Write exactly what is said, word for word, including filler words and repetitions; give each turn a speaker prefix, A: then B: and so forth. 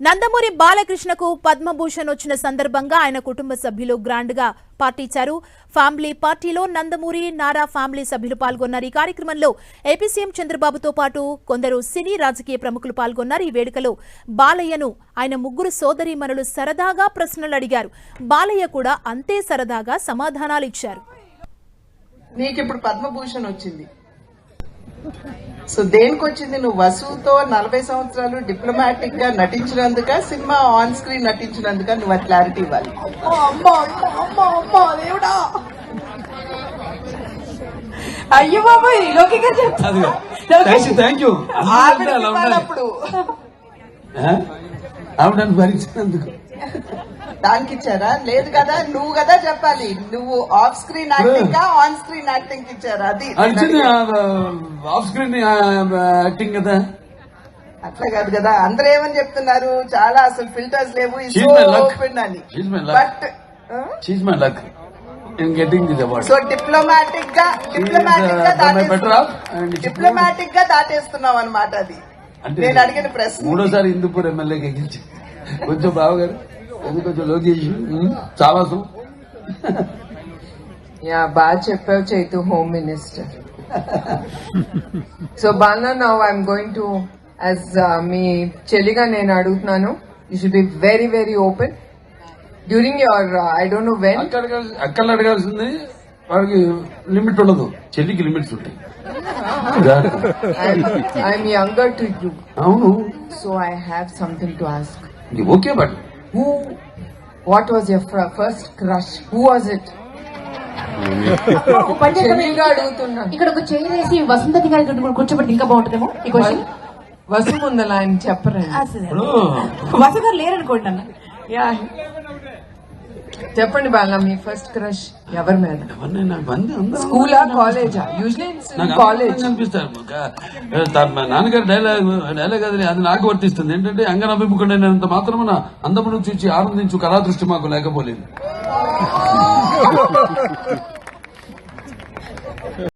A: నందమూరి బాలకృష్ణకు పద్మభూషణ్ వచ్చిన సందర్భంగా ఆయన కుటుంబ సభ్యులు గ్రాండ్ గా పార్టీ ఇచ్చారు. ఫ్యామిలీ పార్టీలో నందమూరి నారా ఫ్యామిలీ సభ్యులు పాల్గొన్నారు. ఈ కార్యక్రమంలో ఏపీ సీఎం చంద్రబాబుతో పాటు కొందరు సినీ రాజకీయ ప్రముఖులు పాల్గొన్నారు. ఈ వేడుకలో బాలయ్యను ఆయన ముగ్గురు సోదరీమణులు సరదాగా ప్రశ్నలు అడిగారు. బాలయ్య కూడా అంతే సరదాగా సమాధానాలు ఇచ్చారు.
B: నీకు ఇప్పుడు పద్మభూషణ్ వచ్చింది, సో దేనికి వచ్చింది? నువ్వు వసుతో నలభై సంవత్సరాలు డిప్లొమాటిక్ గా నటించినందుక, సినిమా ఆన్ స్క్రీన్ నటించినందుక? నువ్వు ఆ క్లారిటీ ఇవ్వాలి.
C: అయ్యో బాబాయ్ లోకిగా చెప్తాను
B: అప్పుడు
D: ఆవిడని భరించినందుకు
B: దానికి ఇచ్చారా? లేదు కదా, నువ్వు కదా చెప్పాలి. నువ్వు ఆఫ్ స్క్రీన్ యాక్టింగ్ గా ఆన్ స్క్రీన్ యాక్టింగ్ ఇచ్చారా? అది
D: ఆఫ్ స్క్రీన్ యాక్టింగ్ కదా,
B: అట్లా కాదు కదా. అందరూ ఏమని చెప్తున్నారు, చాలా అసలు ఫిల్టర్స్ లేవు బట్ సో డిప్లొమాటిక్ గా డిప్లొమాటిక్ గా డిప్లొమాటిక్ గా దాటేస్తున్నావు అనమాట. అది నేను అడిగిన ప్రశ్న.
D: మూడోసారి హిందూపూర్ ఎమ్మెల్యేకి ఎగిల్చి కొంచెం బావగారు ఎందుకు కొంచెం లోకేష్ చాలా
C: యా బాగా చెప్పావు Chaitu, home minister. So Bala now I'm going to as మీ చెల్లిగా నేను అడుగుతున్నాను, you should be very very open during your I don't know when.
D: అక్కలు అడగాల్సింది, వాడికి లిమిట్ ఉండదు, చెల్లికి లిమిట్స్ ఉంటాయి.
C: I'm younger to you.
D: అవును.
C: So I have something to ask.
D: Okay, but
C: who what was your first crush? Who was it? అడుగుతున్నా.
E: ఇక్కడ ఒక చైర్ వేసి వసంతతి గారి కూర్చోబెట్టి ఇంకా బాగుంటుందేమో ఈ క్వశ్చన్.
C: వసు ముందల ఆయన చెప్పరండి,
E: వసు గారు లేరనుకోండి అన్న.
C: యా చెప్పండి బాలా, మీ ఫస్ట్ క్రష్ ఎవరి మీద? స్కూలా కాలేజా? యూజువల్లీ కాలేజ్
D: అనిపిస్తారు. నాన్నగారి డైలాగ్ డైలాగ్ అది అది నాకు వర్తిస్తుంది. ఏంటంటే అంగనభిముఖుడైనంత మాత్రమున అందమును చూచి ఆనందించు కళా దృష్టి మాకు లేకపోలేదు.